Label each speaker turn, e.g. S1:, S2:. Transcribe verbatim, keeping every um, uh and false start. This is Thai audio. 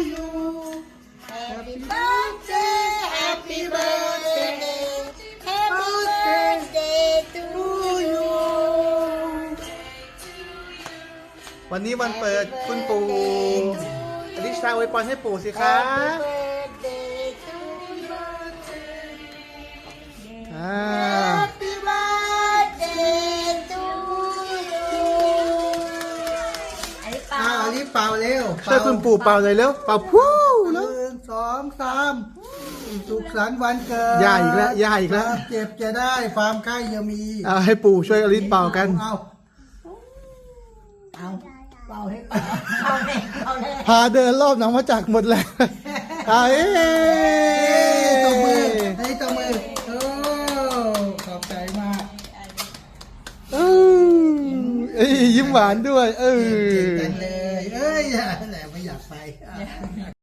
S1: you Happy birthday Happy birthday Happy birthday to you
S2: วันนี้วันเปิดคุณปู่อลิชาอวยพรให้ปู่สิคะ
S1: Happy birthday to you
S2: อ่า
S1: Happy birthday to you อันนี้เปล่า
S3: อ้าวอันนี้เป่าเร็ว
S2: ช่วยคุณปู่เป่าเลยเร็วเป่าพู้
S3: ห
S2: แล้ว
S3: นึ่งสองสามสุขสันต์วันเกิด
S2: ย่าอีกแล้วย่าอีกแล้ว
S3: ความเจ็บจะได้ความไข้จะมี
S2: เอาให้ปู่ช่วยอลิชเป่ากัน
S3: เอาเอาเป่าให้
S1: เอาเลยเอาเลย
S2: พาเดินรอบหนองมาจากหมดแล้วเอาเอ้
S3: ตบมือให้ตบมือโอ้ขอบใจมาก
S2: เออเอ้ยยิ้มหวานด้วย เออ
S3: เก่งจังเลยเอ้ยแหละไม่อยากไป